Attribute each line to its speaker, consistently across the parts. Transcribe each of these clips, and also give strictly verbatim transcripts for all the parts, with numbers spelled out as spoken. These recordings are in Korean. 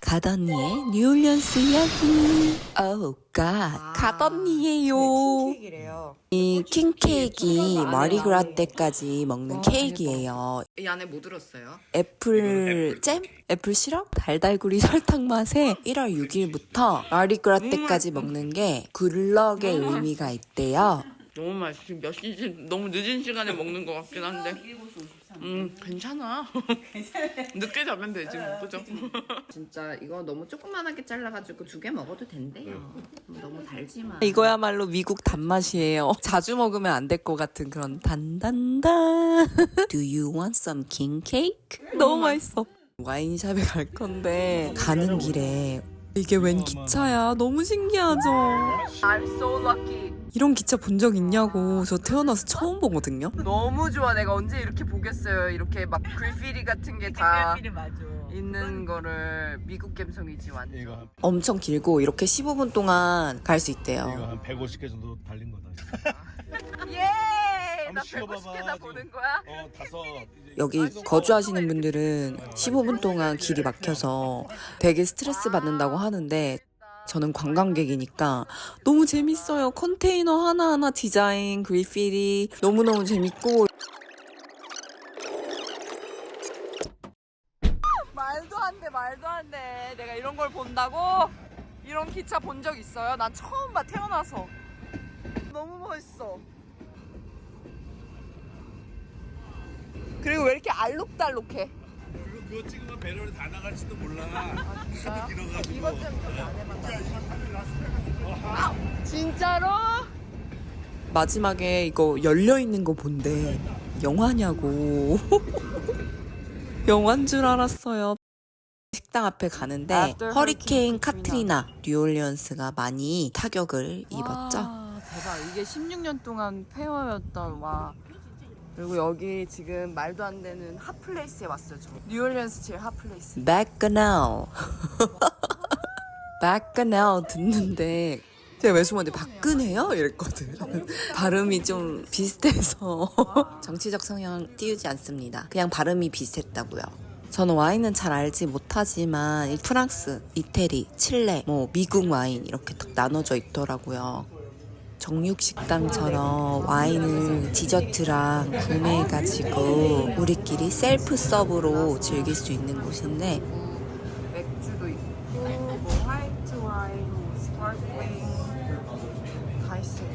Speaker 1: 갓언니의 뉴올리언스 이야기. 오 갓, 갓언니예요.
Speaker 2: 킹케이크래요.
Speaker 1: 이 킹케이크이 마리그라 때까지 먹는 케이크예요.
Speaker 2: 이 안에 뭐 들었어요?
Speaker 1: 애플 잼? 애플 시럽? 달달구리 설탕 맛에 일월 육일부터 마리그라 때까지 먹는 게 굿럭의 의미가 있대요.
Speaker 2: 너무 맛있어. 지금 몇 시지? 너무 늦은 시간에 먹는 것 같긴 한데. 음, 괜찮아. 늦게 자면 되지 뭐, 그죠? 진짜 이거 너무 조그만하게 잘라가지고 두 개 먹어도 된대요. 너무 달지만.
Speaker 1: 이거야말로 미국 단맛이에요. 자주 먹으면 안 될 것 같은 그런 단단단. Do you want some king cake? 너무 맛있어. 와인샵에 갈 건데 가는 길에 이게 웬 기차야? 너무 신기하죠?
Speaker 2: I'm so lucky.
Speaker 1: 이런 기차 본 적 있냐고. 저 태어나서 처음 보거든요.
Speaker 2: 너무 좋아. 내가 언제 이렇게 보겠어요. 이렇게 막 그래피티 같은 게 다 있는 거를. 미국 감성이지 완전.
Speaker 3: 이거 한,
Speaker 1: 엄청 길고 이렇게 십오 분 동안 갈 수
Speaker 3: 이거
Speaker 1: 있대요.
Speaker 3: 한 백오십 개 정도 달린 거다.
Speaker 2: 예! 나
Speaker 3: 한번 쉬어봐봐,
Speaker 2: 백오십 개나
Speaker 3: 지금.
Speaker 2: 보는 거야?
Speaker 3: 어, 다섯. 이제
Speaker 1: 여기 거주하시는 분들은 십오 분 동안 길이 막혀서 되게 스트레스 받는다고 하는데 저는 관광객이니까 너무 재밌어요. 컨테이너 하나하나 디자인, 그래피티 너무너무 재밌고.
Speaker 2: 말도 안 돼, 말도 안 돼. 내가 이런 걸 본다고? 이런 기차 본 적 있어요? 난 처음 봐, 태어나서. 너무 멋있어. 그리고 왜 이렇게 알록달록해?
Speaker 3: 그거 찍으면 배럴이 다 나갈지도 몰라. 하도 길어가지고.
Speaker 2: 이것 좀 안 해봤다. 진짜로?
Speaker 1: 마지막에 이거 열려있는 거 본대. 영화냐고. 영화인 줄 알았어요. 식당 앞에 가는데 허리케인 카트리나 뉴올리언스가 많이 타격을 입었죠.
Speaker 2: 와, 대박. 이게 십육 년 동안 폐허였던. 와. 그리고 여기 지금 말도 안 되는 핫플레이스에 왔어요. 저. 뉴올리언스 제일 핫플레이스.
Speaker 1: Bacchanal. Bacchanal 듣는데 제가 외숙모한테 박근혜요? 이랬거든. 발음이 좀 비슷해서 정치적 성향 띄우지 않습니다. 그냥 발음이 비슷했다고요. 저는 와인은 잘 알지 못하지만 이 프랑스, 이태리, 칠레, 뭐 미국 와인 이렇게 딱 나눠져 있더라고요. 정육식당처럼 와인을 디저트랑 구매해가지고 우리끼리 셀프 서브로 즐길 수 있는 곳인데
Speaker 2: 맥주도 있고, 뭐 화이트 와인, 뭐 스파클링 다 있어요.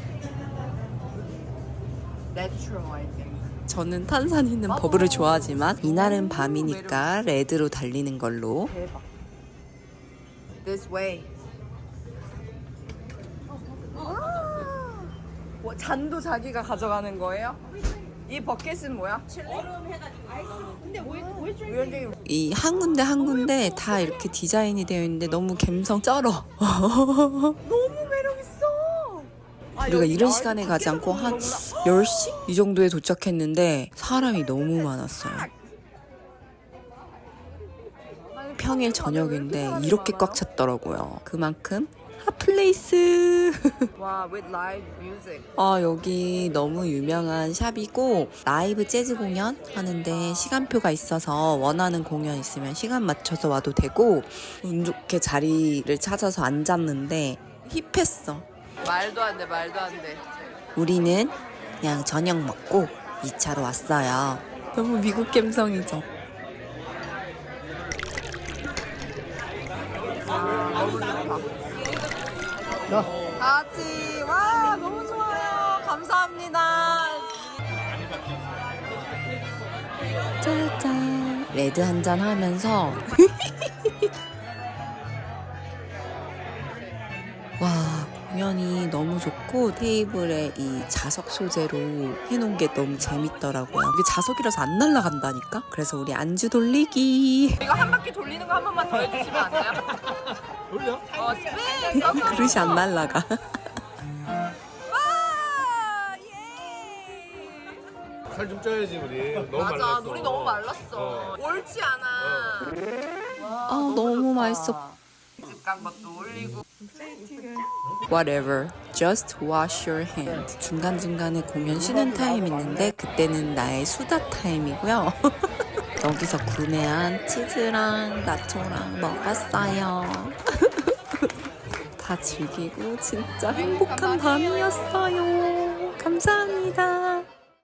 Speaker 2: 내추럴 I think.
Speaker 1: 저는 탄산 있는 버블을 좋아하지만 이날은 밤이니까 레드로 달리는 걸로.
Speaker 2: 대박. This way. 뭐, 잔도 자기가 가져가는 거예요? 이 버켓은 뭐야?
Speaker 1: 이 한 군데 한 군데 다 이렇게 디자인이 되어 있는데 너무 감성 쩔어.
Speaker 2: 너무 매력있어. 아,
Speaker 1: 우리가
Speaker 2: 여기
Speaker 1: 이런
Speaker 2: 나
Speaker 1: 시간에
Speaker 2: 이거
Speaker 1: 가지
Speaker 2: 밖에서
Speaker 1: 않고 한
Speaker 2: 보는 거구나.
Speaker 1: 열 시? 이 정도에 도착했는데 사람이 너무 많았어요. 평일 저녁인데 이렇게 꽉 찼더라고요. 그만큼 핫플레이스.
Speaker 2: 와, with live music.
Speaker 1: 아, 여기 너무 유명한 샵이고 라이브 재즈 공연 하는데 시간표가 있어서 원하는 공연 있으면 시간 맞춰서 와도 되고 운 좋게 자리를 찾아서 앉았는데 힙했어.
Speaker 2: 말도 안 돼, 말도 안 돼.
Speaker 1: 우리는 그냥 저녁 먹고 이 차로 왔어요. 너무 미국 감성이죠.
Speaker 2: 같이. 와, 너무 좋아요. 감사합니다.
Speaker 1: 짜잔. 레드 한잔 하면서 와, 공연이 너무 좋고 테이블에 이 자석 소재로 해놓은 게 너무 재밌더라고요. 이게 자석이라서 안 날아간다니까? 그래서 우리 안주 돌리기.
Speaker 2: 이거 한 바퀴 돌리는 거 한 번만 더 해주시면 안 돼요?
Speaker 3: 돌려?
Speaker 2: 어, 스페인!
Speaker 1: 그릇이 안 날아가.
Speaker 2: 와! 예!
Speaker 3: 살 좀 쪄야지 우리. 너무
Speaker 2: 맞아,
Speaker 3: 말랐어.
Speaker 2: 물이 너무 말랐어.
Speaker 3: 어.
Speaker 2: 옳지 않아.
Speaker 1: 아, 너무 맛있어.
Speaker 2: 간 것도 올리고.
Speaker 1: Whatever, just wash your hand. 중간중간에 공연 쉬는 타임 있는데 그때는 나의 수다 타임이고요. 여기서 구매한 치즈랑 나초랑 먹었어요. 다 즐기고 진짜 행복한 밤이었어요.